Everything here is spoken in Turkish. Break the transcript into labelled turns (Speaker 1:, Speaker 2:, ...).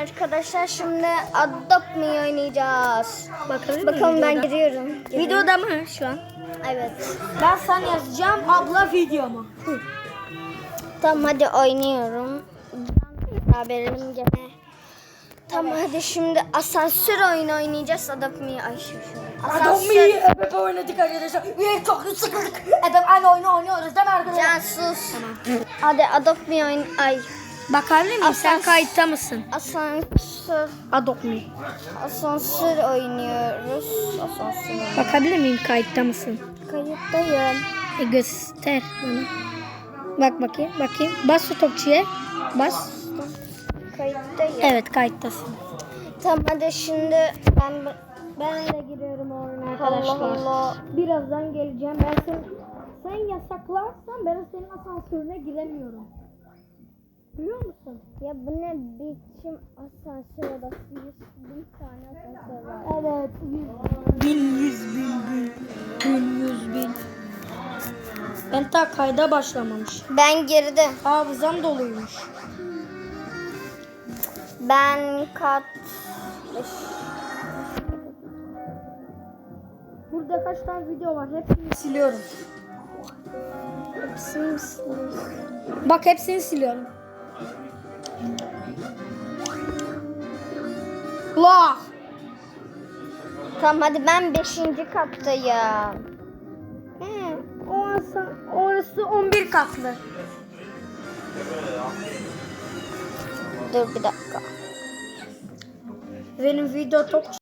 Speaker 1: arkadaşlar, şimdi Adopt Me oynayacağız. Bakalım ben giriyorum.
Speaker 2: Videoda mı şu an?
Speaker 1: Evet.
Speaker 2: Ben sana yazacağım, abla video mu?
Speaker 1: Tamam hadi oynuyorum. Haberim gene. Tamam hadi şimdi asansör oyunu oynayacağız. Adopt Me. Ay şu.
Speaker 2: Adopt Me ebep oynadık arkadaşlar. Çok sıkıldık. Ebep aynı oyunu oynuyoruz değil mi arkadaşlar?
Speaker 1: Can sus. Tamam. Hadi Adopt Me oyun. Ay.
Speaker 2: Bakabilir miyim? Sen kayıtta mısın?
Speaker 1: Asansör.
Speaker 2: Adopt Me.
Speaker 1: Asansör oynuyoruz. Asansör.
Speaker 2: Bakabilir miyim? Kayıtta mısın?
Speaker 1: Kayıttayım.
Speaker 2: Göster bana. Bak bakayım. Bas stopçuya. Bas.
Speaker 1: Kayıttayım.
Speaker 2: Evet, kayıttasın.
Speaker 1: Tamam hadi şimdi ben de giriyorum oyuna arkadaşlar. Allah Allah.
Speaker 2: Birazdan geleceğim. Sen yasaklarsan ben senin asansörüne giremiyorum. Biliyor musun?
Speaker 1: Ya bu ne biçim asansör odası? 100.000 tane asansör var.
Speaker 2: Evet. 100 bin. Ben ta kayda başlamamış.
Speaker 1: Ben girdim.
Speaker 2: Hafızam doluymuş.
Speaker 1: Ben kat...
Speaker 2: Burada kaç tane video var? Hepsini siliyorum.
Speaker 1: Hepsini siliyorum.
Speaker 2: Bak, hepsini siliyorum. Allah!
Speaker 1: Tamam hadi ben 5. kattayım.
Speaker 2: Orası 11 katlı.
Speaker 1: Dur bir dakika.
Speaker 2: Benim video çok